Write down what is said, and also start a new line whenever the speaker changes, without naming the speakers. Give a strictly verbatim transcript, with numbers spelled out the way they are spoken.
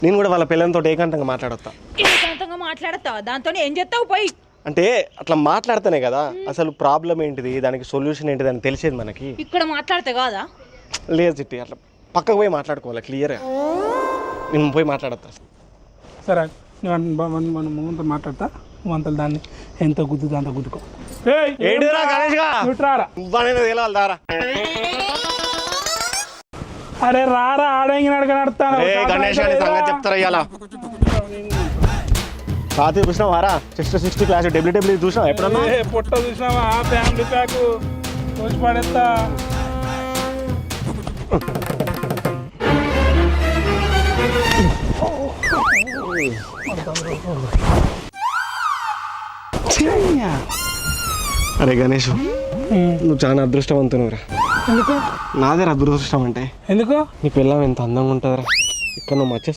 నేను కూడా వాళ్ళ పిల్లలతో ఏకాంతంగా మాట్లాడతా.
ఏకాంతంగా మాట్లాడతావా? దాంతో ఏం చేస్తావు పోయి?
అంటే అట్లా మాట్లాడితేనే కదా అసలు ప్రాబ్లం ఏంటిది, దానికి సొల్యూషన్ ఏంటిది అని తెలిసేది మనకి.
ఇక్కడ మాట్లాడితే కాదా?
లేదు చిట్టి, అట్లా పక్కకు పోయి మాట్లాడుకోవాలి క్లియర్గా. నేను పోయి మాట్లాడతా.
సరే మన ముందు మాట్లాడతా, నువ్వు అంత దాన్ని ఎంత గుద్దుతా అంత గుద్దుకో.
ఏంటిరా గణేష్గా నువ్వనేది తెలవాలి దారా.
అరే రారా ఆడంగి నడక నడతాను
గణేష్ అని సంగతి చెప్తారా ఇవాళ. పాత చూసినావు వారా sixty sixty class W W చూసినావు ఎప్పుడన్నా?
పొట్ట చూసినావా ఫ్యామిలీ ప్యాక్ చూసి పడేస్తా.
అరే గణేష్, నువ్వు చాలా అదృష్టవంతునురా.
ఎందుకు?
నాదే అదృష్టం అంటే.
ఎందుకు?
నీ పిల్లం ఎంత అందంగా ఉంటుందిరా. ఇక్కడ నువ్వు మచ్చ